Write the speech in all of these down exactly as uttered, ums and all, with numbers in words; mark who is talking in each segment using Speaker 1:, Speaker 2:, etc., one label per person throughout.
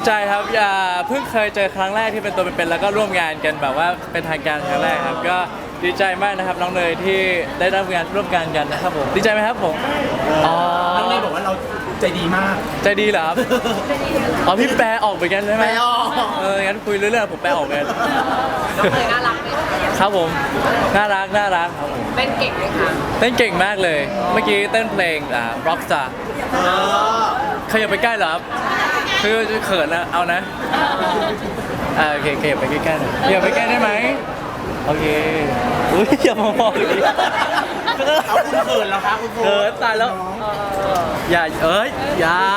Speaker 1: ใจครับอย่าเพิ่งเคยเจอครั้งแรกที่เป็นตัวเป็นๆแล้วก็ร่วมงานกันแบบว่าเป็นทางการครั้งแรกครับก็ดีใจมากนะครับน้องเนยที่ได้ร่วมงานร่วมงานกันนะครับผมดีใจไหมครับผมอ๋อ
Speaker 2: น้องเนยบอกว่าเราใจดีมาก
Speaker 1: ใจดีเหรอครับอ๋อพี่แปลออกเหมือนกันใช่ไหม
Speaker 2: แปลออก
Speaker 1: เอองั้นคุยเรื่องๆผมแปลออกเหมือนกัน
Speaker 3: น้องเนยน่ารักไหมคะ
Speaker 1: ครับผมน่ารักน่ารักครับผม
Speaker 3: เต้นเก่งไหมคะ
Speaker 1: เต้นเก่งมากเลยเมื่อกี้เต้นเพลงอ่า Rockstar
Speaker 2: เออ
Speaker 1: ขยับไปใกล้เหรอครับคือเขินนะเอานะอ่าโอเคขยับไปใกล้ๆหน่อยขยับไปใกล้ได้ไหมโอเคอุ้ยอย่ามามองดิ
Speaker 2: เอาคุณเขินแล้วครับคุณโฟ
Speaker 1: เขินตายแล้วอย่าเอ้ยอย่า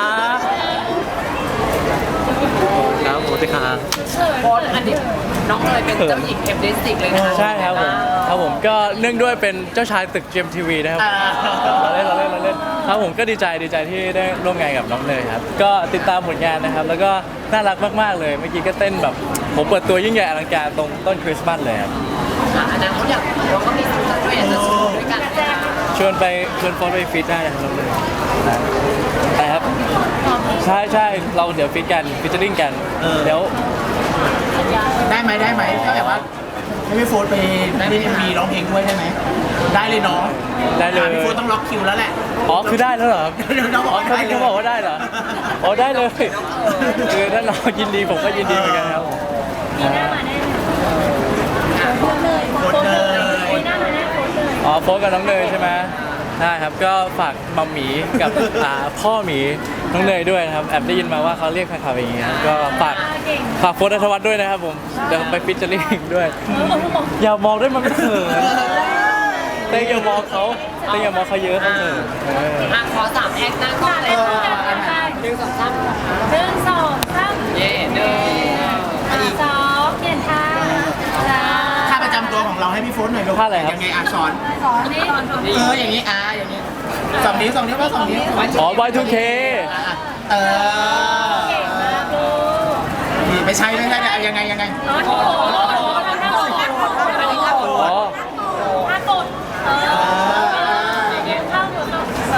Speaker 1: ครับโมติคา
Speaker 3: โพสอันนี้น้องเนยเป็นเจ้าหญิงเอฟเดสิกเลยนะคะ
Speaker 1: ใช่ครับผมครับผมก็เนื่องด้วยเป็นเจ้าชายตึก จี เอ็ม ที วี นะครับเราเล่นเราเล่นเราเล่นครับผมก็ดีใจดีใจที่ได้ร่วมงานกับน้องเนยครับก็ติดตามผลงานนะครับแล้วก็น่ารักมากๆเลยเมื่อกี้ก็เต้นแบบผมเปิดตัวยิ่งใหญ่อลังการตรงต้นคริสต์มาสเลยครับ
Speaker 3: อ่ะอนาคตอยากเราก็มีสิทธิ์ด้วยอยากจะโชว์ด้วยกันนะคะ
Speaker 1: ชวนไปชวนโฟนไปฟิตได้นะครับน้องเนยนะไปครับใช่ใช่เราเดี๋ยวฟิตกันฟิชเชอร์ลิงกันเดี๋ยว
Speaker 2: ได้ไหมได้ไหมถ้าแบบว่าให้พี่โฟนไปเล่นเอ็มวีร้องเพลงด้วยได้ไหมได้เลยเนาะ
Speaker 1: ได้เลย
Speaker 2: พี่โฟนต้องล็อกคิวแล้วแหละ
Speaker 1: อ๋อคือได้แล้วเหรอครับ
Speaker 2: น้องบอก
Speaker 1: อ๋อ
Speaker 2: ว่า
Speaker 1: เขา
Speaker 2: ได้เลย
Speaker 1: เขาบอกว่าได้เหรออ๋อได้เลยคือถ้าน้องยินดีผมก็ยินดีเหมือนกันครับผม
Speaker 4: ปีหน้ามาแน่โพสเลยโพสเลยปีหน้ามาแน่โพสเลย
Speaker 1: อ๋อโฟนกับน้องเนยใช่ไหมได้ครับก็ฝากมัมหมีกับ อ่าพ่อหมีน้องเนยด้วยนะครับแอบได้ยินมาว่าเขาเรียกแฟนคลับอย่างเงี้ยก็ฝากฝากโฟนอัธวัฒน์ด้วยนะครับผมเดี๋ยวไปฟิชเชอร์ลิงด้วย อย่ามองด้วยมันไม่เขินเต้อย่ามองเขาเต้อย่ามองเขาเยอะเขาเขินเออ
Speaker 3: อ่ะขอสามแอคหน้ากล้องเลยค่ะหนึ่งสองสาม
Speaker 4: หนึ่งสองสาม
Speaker 3: เย่หนึ่ง
Speaker 4: สองเปลี่ยนท่าจ้า
Speaker 2: ท่าประจำตัวของเราให้พี่โฟนหน่อยลูกยังไงอ่ะสอน
Speaker 4: สอนนี่
Speaker 2: เอออย่างนี้อ่ะอย่างนี้สองนิ้วสองนิ้วว่าสองนิ้ว
Speaker 1: อ๋อ วาย ทู เค
Speaker 2: อ่ะเออ
Speaker 4: เก่งมากลูก
Speaker 2: นี่ไม่ใช่ไม่ใช่เนี่ยยังไงยังไง
Speaker 4: โอ้โหท่ากดท่ากด
Speaker 1: อ๋อ
Speaker 4: ท่ากดเออท่ากดเอ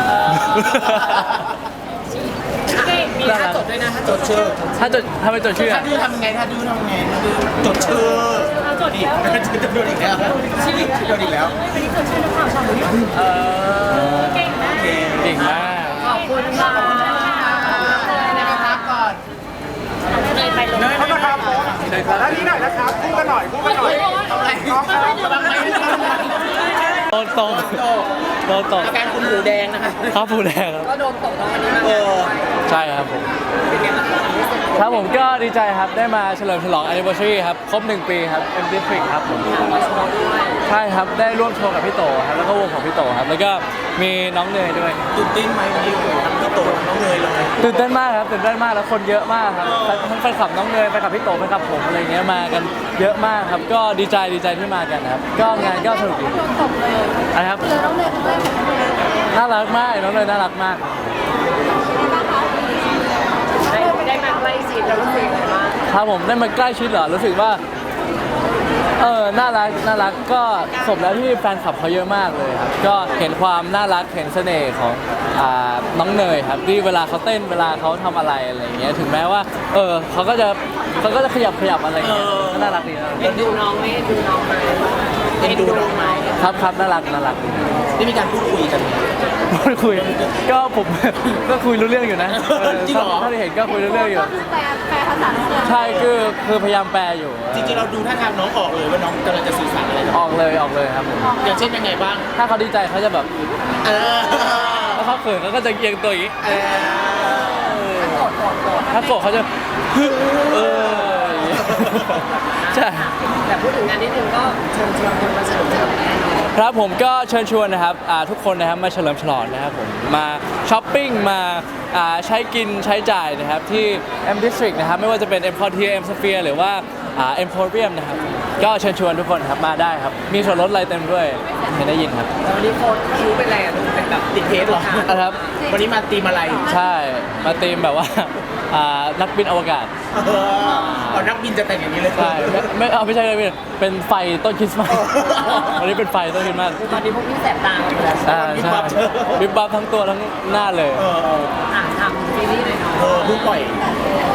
Speaker 4: อเก่ง
Speaker 3: มีท่าจดด้วยนะท่าจ
Speaker 2: จ
Speaker 3: ด
Speaker 2: ดชื่อ
Speaker 1: ถ้าจดถ้าเป็นจดชื่อ
Speaker 2: ถ้า
Speaker 1: อะ
Speaker 2: ดื้อทำไงถ้าดื้อทำไงถ้าดื้อจดชื่อ
Speaker 4: จด
Speaker 2: นี่
Speaker 4: แล้ว
Speaker 2: จะโดนอีกแล้วโดนอีกแล้ว
Speaker 4: วันนี้เกิดชื่อนักข่าวชาวนี้
Speaker 1: เออ
Speaker 4: เก่งมาก
Speaker 1: เก่งมาก
Speaker 3: ขอบคุณค่ะ
Speaker 2: ในกระทับก่อน
Speaker 4: เลยไปลง
Speaker 2: เนยเข้ามาครับด้านนี้หน่อยนะครับคู่กันหน่อยคู่กันหน่อยทำอะไรน้องครับกำลังไป
Speaker 1: โดนตกโดนตก
Speaker 2: อาการคุณหูแดงนะคะ
Speaker 1: ครับผู้แดงครับ
Speaker 3: ก็โดนตกตรงวันนี้มา
Speaker 2: เออ
Speaker 1: ใช่ครับผม
Speaker 3: เป็นไงบ้างคะความรู้สึก
Speaker 1: ครับผมก็ดีใจครับได้มาเฉลิมฉลอง anniversary ครับครบหนึ่งปีครับ M District ครับผม
Speaker 3: มาโชว์ด้วย
Speaker 1: ใช่ครับได้ร่วมโชว์กับพี่โตครับแล้วก็วงของพี่โตครับแล้วก็มีน้องเนยด้วย
Speaker 2: ตื่นเต้นไหมวันนี้โอ้โหทั้งพี่โตน้องเนยเลย
Speaker 1: ตื่นเต้นมากครับตื่นเต้นมากแล้วคนเยอะมากครับทั้งแฟนคลับน้องเนยแฟนคลับพี่โตแฟนคลับผมอะไรเงี้ยมากันเยอะมากครับก็ดีใจดีใจที่มากันนะครับก็งานก็สนุกดีอะไรครับ
Speaker 4: เจอน้องเนยครั้งแรกของน้องเนย
Speaker 1: น่ารักมากน้องเนยน่ารักมาก
Speaker 3: ได้ได้มาใกล้ชิดแล้วรู้สึกยังไงบ้าง
Speaker 1: ครับผมได้มาใกล้ชิดเหรอรู้สึกว่าเออน่ารักน่ารักก็สมแล้วที่แฟนคลับเขาเยอะมากเลยครับก็เห็นความน่ารักเห็นเสน่ห์ของอ่าน้องเนยครับที่เวลาเขาเต้นเวลาเขาทำอะไรอะไรอย่างเงี้ยถึงแม้ว่าเออเขาก็จะเขาก็จะขยับขยับอะไรอย่างเงี้ยก็น่ารักดีนะ
Speaker 3: เอ็นดูน้องไหมเอ็นดูน้องไหมเอ็นดูน้องไหม
Speaker 1: ครับครับน่ารักน่ารักดี
Speaker 2: ได้มีการพูดคุยกันไหม
Speaker 1: พูดคุยก็ผม ก็คุยรู้เรื่องอยู่นะเออ
Speaker 2: จริงเหรอ
Speaker 1: ถ้าที่เห็นก็คุยรู้เรื่องอยู่
Speaker 4: ก็คือแปลแปลภาษาน้องเนย
Speaker 1: ใช่คือคือพยายามแปลอยู่
Speaker 2: จริงๆเราดูท่าทางน้องออกเลยว่าน้องกำลังจะสื่อสารอะไรกับ
Speaker 1: ออกเลยออกเลยครับผม
Speaker 2: อย่างเช่นยังไงบ้าง
Speaker 1: ถ้าเขาดีใจเขาจะแบบ
Speaker 2: เออ
Speaker 1: ถ้าเขาเขินเขาก็จะเอียงตัวอย่างนี้
Speaker 2: เออ
Speaker 3: โกรธโกรธโกรธ
Speaker 1: ถ้าโกรธเขาจะฮึเอออย่างงี้ใช่
Speaker 3: แต่พูดถึงงานนิดนึงก็เชิญชวนคนมาเฉลิมฉลองแน่นอน
Speaker 1: ครับผมก็เชิญชวนนะครับอ่าทุกคนนะครับมาเฉลิมฉลองนะครับผมมาช้อปปิ้งมาอ่าใช้กินใช้จ่ายนะครับที่ M District นะครับไม่ว่าจะเป็น M Quartier M Sphere หรือว่าอ่า Emporium นะครับก็เชิญชวนทุกคนครับมาได้ครับมีส่วนลดอะไรเต็มด้วยเห็นได้ยินครับ
Speaker 3: แล้ววันนี้โค้ดคิ้วเป็นอะไรอ่ะลูกเป็นแบบ
Speaker 2: ติดเทสเหรอ
Speaker 1: นะครับ
Speaker 2: วันนี้มาตีมอะไร
Speaker 1: ใช่มาตีมแบบว่าอ่านักบินอวกาศ
Speaker 2: เออเอานักบินจะแต่งอย่างนี้เลย
Speaker 1: ใช่ไม่ไม่เอาไม่ใช่เลยเป็นไฟต้นคริสต์มาสวันนี้เป็นไฟต้นคริสต์มาส
Speaker 3: ตอนนี้พวกพี่แสบตาหมดแล้ว
Speaker 1: อ่าใช่วิบวับทั้งตัวทั้งหน้าเลย
Speaker 2: เออเออ
Speaker 3: อ่ะทำซีรีส์หน่อยเนาะ
Speaker 2: เออเพิ่งปล่อยตลอดไป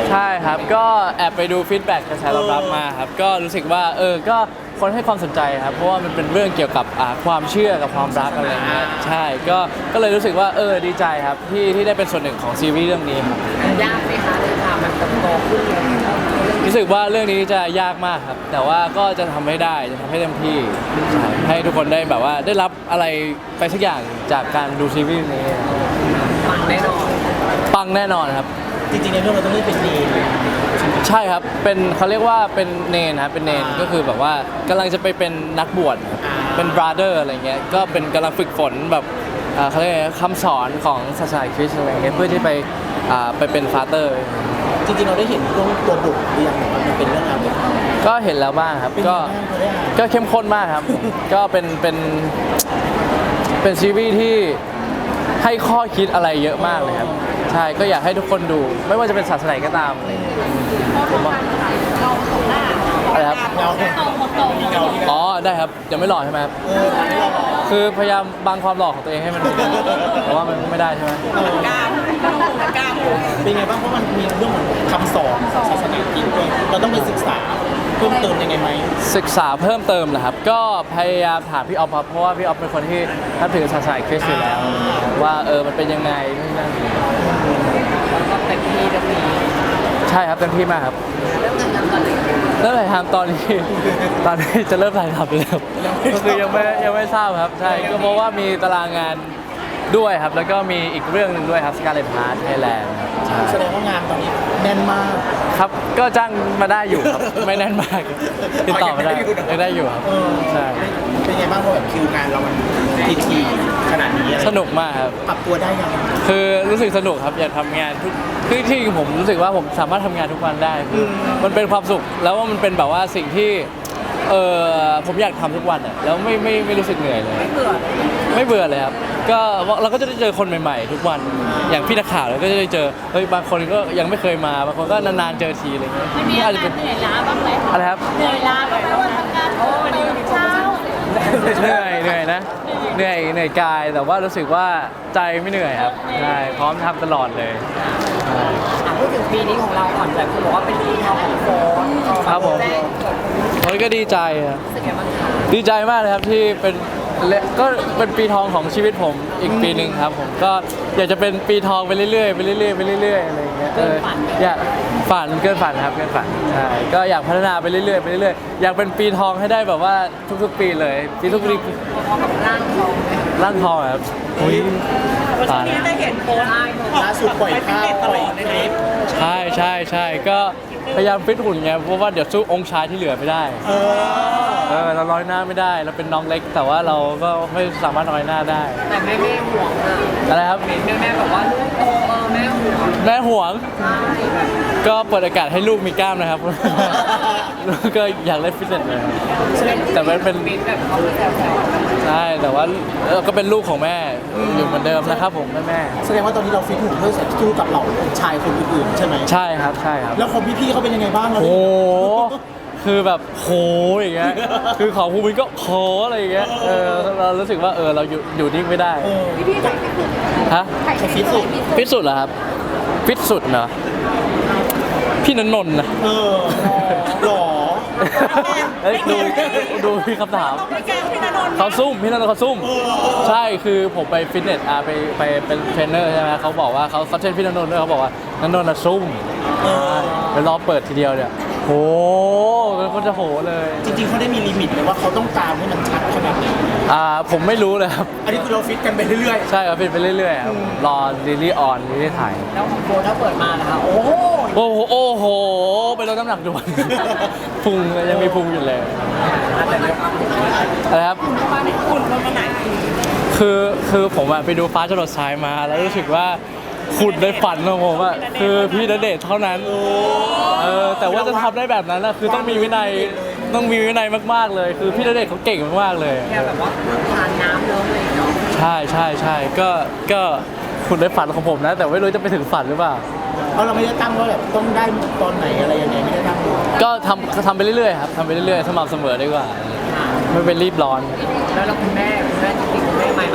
Speaker 1: ใช่ครับก็แอบไปดูฟีดแบ็กกระแสตอบรับมาครับก็รู้สึกว่าเออก็คนให้ความสนใจครับเพราะว่ามันเป็นเรื่องเกี่ยวกับอ่าความเชื่อกับความรักอะไรเงี้ยใช่ก็ก็เลยรู้สึกว่าเออดีใจครับที่ที่ได้เป็นส่วนหนึ่งของซีรีส์เรื่องนี้ครับ
Speaker 3: ยากไหมคะเลยค่ะมันโตขึ้นเลย
Speaker 1: รู้สึกว่าเรื่องนี้จะยากมากครับ แต่ว่าก็จะทำให้ได้จะทำให้เต็มที่ใช่ให้ทุกคนได้แบบว่าได้รับอะไรไปสักอย่างจากการดูซีรีส์นี้
Speaker 3: ฟังแน่นอน
Speaker 1: ปังแน่นอนครับ
Speaker 2: จริงๆในเรื่องเราต้องเล่นเป็นดีน
Speaker 1: ใช่ครับเป็นเขาเรียกว่าเป็นเนนครับเป็นเนนก็คือแบบว่ากำลังจะไปเป็นนักบวชครับเป็นบราเดอร์อะไรเงี้ยก็เป็นกำลังฝึกฝนแบบอ่าเขาเรียกอะไรคำสอนของศาสนาคริสต์อะไรเงี้ยเพื่อที่ไปอ่าไปเป็นฟาเตอร์
Speaker 2: จริงๆเราได้เห็นตัวตัวบทหรือยังว่ามันเป็นเรื่องราวเกี่ยวกับอะไร
Speaker 1: ก็เห็นแล้วบ้างครับ
Speaker 2: เป็น
Speaker 1: ก็
Speaker 2: ยังไงบ้างเขาได้อ่าน
Speaker 1: ก็เข้มข้นมากครับ ก็เป็นเป็นเป็นซีรีส์ที่ให้ข้อคิดอะไรเยอะมากเลยครับใช่ก็อยากให้ทุกคนดูไม่ว่าจะเป็นศาสนาไหนก็ตามอะไรอย่างเงี้ยผมว่า
Speaker 4: เราตกหน้า
Speaker 1: อะไรครับ
Speaker 2: เงาเนี่ย
Speaker 4: ตกหมดตก
Speaker 2: เงาที่
Speaker 1: อ๋อได้ครับยังไม่หล่อใช่ไหมครับ
Speaker 2: เออที่เราบอก
Speaker 1: คือพยายามบังความหล่อของตัวเองให้มันแต่ว่ามันไม่ได้ใช่ไหม
Speaker 3: กล้ามกล้าม
Speaker 2: เป็นไงบ้างเพราะมันมีเรื่องของคำสอนของศาสนาคริสต์ด้วยเราต้องไปศึกษาเพิ่มเติมยังไงไหม
Speaker 1: ศึกษาเพิ่มเติมนะครับ ก็พยายามถามพี่ออฟครับเพราะว่าพี่ออฟเป็นคนที่นับถือศาสนาคริสต์อยู่แล้ว ว่าเออมันเป็นยังไงนู่นนั่น
Speaker 3: แล้วก็เต็มที่เต็มที่
Speaker 1: ใช่ครับเต็มที่มากครับ
Speaker 3: เริ่มทำงานตอนไหน
Speaker 1: เริ่มถ่ายทำตอนนี้ ตอนนี้จะเริ่มถ่ายทำแล้วก็คือยังไม่ยังไม่ทราบครับใช่ก็เพราะว่ามีตารางงานด้วยครับ แล้วก็มีอีกเรื่องหนึ่งด้วยครับ Scarlet Heart Thailand ใช่
Speaker 2: แสดงว่างานตอนนี้แน่นมาก
Speaker 1: ครับก็จ้างมาได้อยู่ครับ ไม่แน่นมากติดต่อมาได้ยังได้อยู่ครับ
Speaker 2: เออ
Speaker 1: ใช่
Speaker 2: เป็นไงบ้างเพราะแบบคิวงานเรามันทีทีขนาดนี้อะไร
Speaker 1: สนุกมากครับ
Speaker 2: ปรับตัวได้ยัง
Speaker 1: คือรู้สึกสนุกครับอยากทำงานทุกคือที่ผมรู้สึกว่าผมสามารถทำงานทุกวันได้คือมันเป็นความสุขแล้วว่ามันเป็นแบบว่าสิ่งที่เออผมอยากทำทุกวันอ่ะแล้วไม่ไม่ไม่รู้สึกเหนื่อยเลย
Speaker 3: ไม่เบื่อ
Speaker 1: ไม่เบื่อเลยครับก็เราก็จะได้เจอคนใหม่ๆ ทุกวันอย่างพี่นักข่าวเราก็จะได้เจอเฮ้ยบางคนก็ยังไม่เคยมาบางคนก็นานๆเจอทีอะไรเงี้ย
Speaker 4: มันมีอาการเหนื่อยล้าบ้างไหม
Speaker 1: อะไรครับ
Speaker 4: เหนื่อยล้าบ้างไหมว่าทำงานโอ้ตื่นเช้า
Speaker 1: เหนื่อยเหนื่อยนะเหนื่อยเหนื่อยกายแต่ว่ารู้สึกว่าใจไม่เหนื่อยครับใช่พร้อมทำตลอดเลยใช่
Speaker 3: อ่ะพูดถึงปีนี้ของเราก่อนแบบคุณบอกว่าเป็นปีทองของโฟน
Speaker 1: ครับผม
Speaker 3: แรกเกิด
Speaker 1: เฮ้ยก็ดีใจครับ
Speaker 3: รู้สึกยังไงบ้างคะ
Speaker 1: ดีใจมากเลยครับที่เป็นและก็เป็นปีทองของชีวิตผมอีกปีหนึ่งครับผมก็อยากจะเป็นปีทองไปเรื่อยๆไปเรื่อยๆไปเรื่อยๆอะไรอย่างเงี้ยเอออยากฝันเกินฝันครับเกินฝันใช่ก็อยากพัฒนาไปเรื่อยๆไปเรื่อยๆอยากเป็นปีทองให้ได้แบบว่าทุกๆ ปีเลยปีทุกปี
Speaker 3: พอกับร่างทองไหม
Speaker 1: ร่างทองอะครับอุ้ยตาย
Speaker 3: ได้เห็นโพสต์ได้หมด
Speaker 2: ล่าสุดปล่อยข้าวปล่อยคลิป
Speaker 1: ใช่ใช่ใช่ก็พยายามฟิตหุ่นไงเพราะว่าเดี๋ยวสู้องค์ชายที่เหลือไม่ได้
Speaker 2: เออ
Speaker 1: เออเราร้อยหน้าไม่ได้เราเป็นน้องเล็ก แต่ว่าเราก็ไม่สามารถร้อยหน้าได้
Speaker 3: แต่แม่แม่ห่วงอะ
Speaker 1: อะไรครับ
Speaker 3: เห็นแม่แม่แบบว่าลูกโตเออแม่ห่วง
Speaker 1: แม่ห่วง
Speaker 3: ใช่แบบ
Speaker 1: ก็เปิดโอกาสให้ลูกมีกล้ามนะครับ แล้วก็อยากเล่นฟิตเนสเลยแต่มันเป็น
Speaker 3: มินแบบเขาแซวๆ
Speaker 1: ใช่แต่ว่าเออก็เป็นลูกของแม่อยู่เหมือนเดิมนะครับผมแม่แม่
Speaker 2: แสดงว่าตอนนี้เราฟิตหุ่นเพื่อสู้กับเหล่าชายคนอื่นๆใช่ไหม
Speaker 1: ใช่ครับใช่ครับ
Speaker 2: แล้วคนพี่ๆเขาเป็นยังไงบ้างเรา
Speaker 1: โอ้
Speaker 2: ได้
Speaker 1: โหคือแบบโหอย่างเงี้ยคือของภูมินก็โหอะไรอย่างเงี้ยเออเรารู้สึกว่าเออเราอยู่อยู่นิ่งไม่ได้
Speaker 2: เออ
Speaker 4: พี่ใส่ไม่สุด
Speaker 1: ฮะ
Speaker 2: เขาฟิตสุด
Speaker 1: ฟิตสุดเหรอครับฟิตสุดเหรอพี่นนนท์นะ
Speaker 2: เออหล่อ
Speaker 1: เอ้ยดูดูพี่คำถาม
Speaker 4: ไม่แกพี่นนท์
Speaker 1: เขาซุ่มพี่นนท์เขาซุ่มใช่คือผมไปฟิตเนสอ่ะไปไปเป็นเทรนเนอร์ใช่ไหมเขาบอกว่าเขาเขาเทรนพี่นนท์ด้วยเขาบอกว่านนนท์น่ะซุ่มไปรอเปิดทีเดียวเนี่ยโหเป็นคนจะโหเลย
Speaker 2: จริงๆเขาได้มีลิมิตเลยว่าเขาต้องตามให้มันชัดขนาดไหน
Speaker 1: อ่าผมไม่รู้เลยครับ
Speaker 2: อันนี้คือเราฟิตกันไปเรื่อย
Speaker 1: ใช่ครับฟิตไปเรื่อยๆครับรอซีรีส์ออนซีรีส์ถ่าย
Speaker 3: แล้วของโฟนถ้าเปิดมานะคะโอ้โห
Speaker 1: โอ้โหโอ้โหไปลดน้ำหนักด่วน พุงยังมีพุงอยู่เลย
Speaker 3: อาจจะเดี๋ยว
Speaker 1: อะไรครับ
Speaker 3: มาในคุณลงมาไหน
Speaker 1: คือคือผมอะไปดูฟ้าจรดทรายมาแล้วรู้สึกว่าขุดในฝันของผมอะคือพี่ณเดชน์เท่านั้นเออแต่ว่าจะทำได้แบบนั้นอะคือต้องมีวินัยต้องมีวินัยมากๆเลย คือพี่ณเดชน์เขาเก่งมากๆเลย
Speaker 3: แค่แบบว่าทานน้ำเริ่มเลยเนาะ
Speaker 1: ใช่ใช่ใช่ก็ก็ขุดในฝันของผมนะ แต่ไม่รู้จะไปถึงฝันหรือเปล่า
Speaker 2: ๆเพราะเราไม่ได้ตั้งว่าแบบต้องได้ตอนไหนอะไรยังไงไม่ได้ตั้ง
Speaker 1: ก็ทำทำไปเรื่อยๆครับทำไปเรื่อยๆสม่ำเสมอดีกว่า
Speaker 3: ค่ะ
Speaker 1: ไม่เป็นรีบร้อน
Speaker 3: แล้วเราคุณแม่คุณแม่จริงๆคุณแม่ไม่มา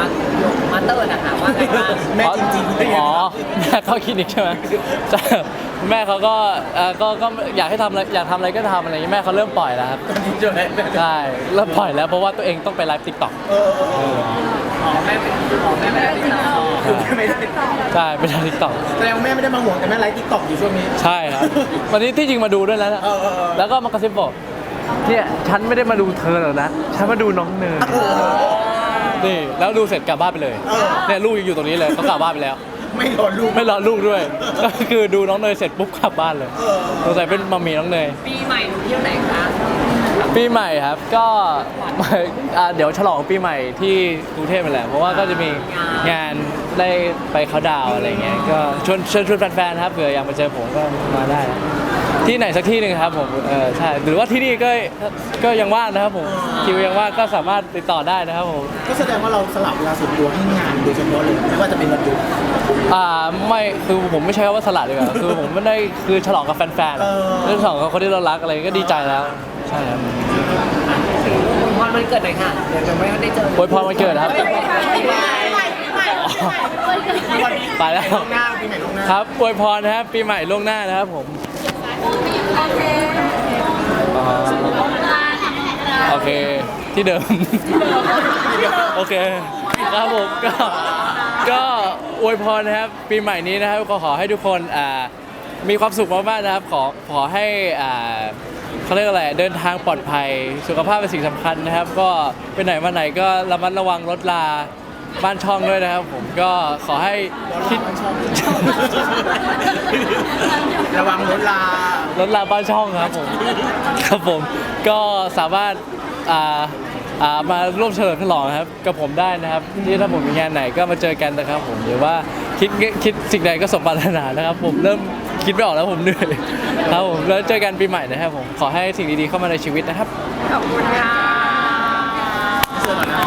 Speaker 3: ยกมาเตอร์นะคะว่าไงบ้าง
Speaker 2: แม่จริงๆ
Speaker 1: อ๋อแม่เข้าคลินิกใช่ไหมใช่แม่เขาก็เอ่อก็ก็อยากให้ทำอะไรอยากทำอะไรก็ทำอะไรอย่างนี้แม่เขาเริ่มปล่อยแล้วครับ
Speaker 2: ใช่ไหม
Speaker 1: ใช่เริ่มปล่อยแล้วเพราะว่าตัวเองต้องไปไลฟ์ติ๊กต็อก
Speaker 2: เออเออเออ
Speaker 3: อ๋อแม่เป็นอ๋อแม่ไม่ได้ติดต่อ
Speaker 2: คือแม่ไม่ได้
Speaker 1: ใช่ไปไลฟ์ติ๊กต็อก
Speaker 2: แสดงว่าแม่ไม่ได้มาห่วงแต่แม่ไลฟ์ติ๊กต็อกอยู่ช่วงนี้
Speaker 1: ใช่ครับวันนี้ที่จริงมาดูด้วยแล้วนะ
Speaker 2: เออเออเออ
Speaker 1: แล้วก็มากระซิบบอกเนี่ยฉันไม่ได้มาดูเธอหรอกนะฉันมาดูน้องเนยนี่แล้วดูเสร็จกลับบ้านไปเลยเนี่ยลูกยังอยู่ตรงนี้เลยเขากลับบ้านไปแล้ว
Speaker 2: ไม่รอลูก
Speaker 1: ไม่รอลูกด้วย ก็คือดูน้องเนยเสร็จปุ๊บกลับบ้านเลย
Speaker 2: เออ
Speaker 1: สงสัยเป็นมัมมี่น้องเนย
Speaker 3: ปีใหม่หนูเที่ยวไหนคะ
Speaker 1: ปีใหม่ครับก็ อ่าเดี๋ยวฉลองปีใหม่ที่กรุงเทพไปแหละเพราะว่าก็จะมีงานได้ไปเขาน์ดาวน์อะไรเงี้ยก็ชวนเชิญชวนแฟนๆครับเผื่ออยากมาเจอผมก็มาได้นะที่ไหนสักที่หนึ่งครับผมเออใช่หรือว่าที่นี่ก็ก็ยังว่างนะครับผมคิวยังว่างก็สามารถติดต่อได้นะครับผม
Speaker 2: ก็แสดงว่าเราสลับเวลาส่วนตัวให้งานโดยเฉพาะเลยไม่ว่าจะเป็นวันหยุด
Speaker 1: อ่าไม่คือผมไม่ใช่คำว่าสลัดดีกว่า คือผมไม่ได้คือฉลองกับแฟน
Speaker 2: เออ
Speaker 1: ๆเรื่องฉลองกับคนที่เรารักอะไรก็ดีใจแล้วใช่ครับ
Speaker 3: ถึงวันวันเกิดหน่อยค่ะเดี๋ยวจะไม่ได้เจอ
Speaker 1: อวยพรวันเกิดครับ ไปแล้ว
Speaker 2: ล่วงหน้าปีใหม่ล่วงหน้า
Speaker 1: ครับอวยพรนะครับปีใหม่ล่วงหน้านะครับผมอ๋อโอเคที่เดิม โอเคครับผมก็ก็อวยพรนะครับปีใหม่นี้นะครับก็ขอให้ทุกคนอ่ามีความสุขมากๆนะครับขอขอให้อ่าเขาเรียกอะไรเดินทางปลอดภัยสุขภาพเป็นสิ่งสำคัญนะครับ ก็ไปไหนมาไหนก็ระมัดระวังรถลาบ้านช่องด้วยนะครับ ผมก็ขอให้คิด
Speaker 2: ระวังรถลาร
Speaker 1: ถลาบ้านช่องครับผมครับผมก็สามารถอ่าอ่ามาร่วมเฉลิมฉลองนะครับกับผมได้นะครับที่ถ้าผมมีงานไหนก็มาเจอกันนะครับ ผมหรือว่าคิดคิดสิ่งใดก็สมปรารถนานะครับ ผมเริ่มคิดไม่ออกแล้วผมเหนื่อยครับผมแล้วเจอกันปีใหม่นะครับผมขอให้สิ่งดีๆเข้ามาในชีวิตนะครับ
Speaker 3: ขอบคุณค่ะ
Speaker 2: เสื้อหน่อยนะ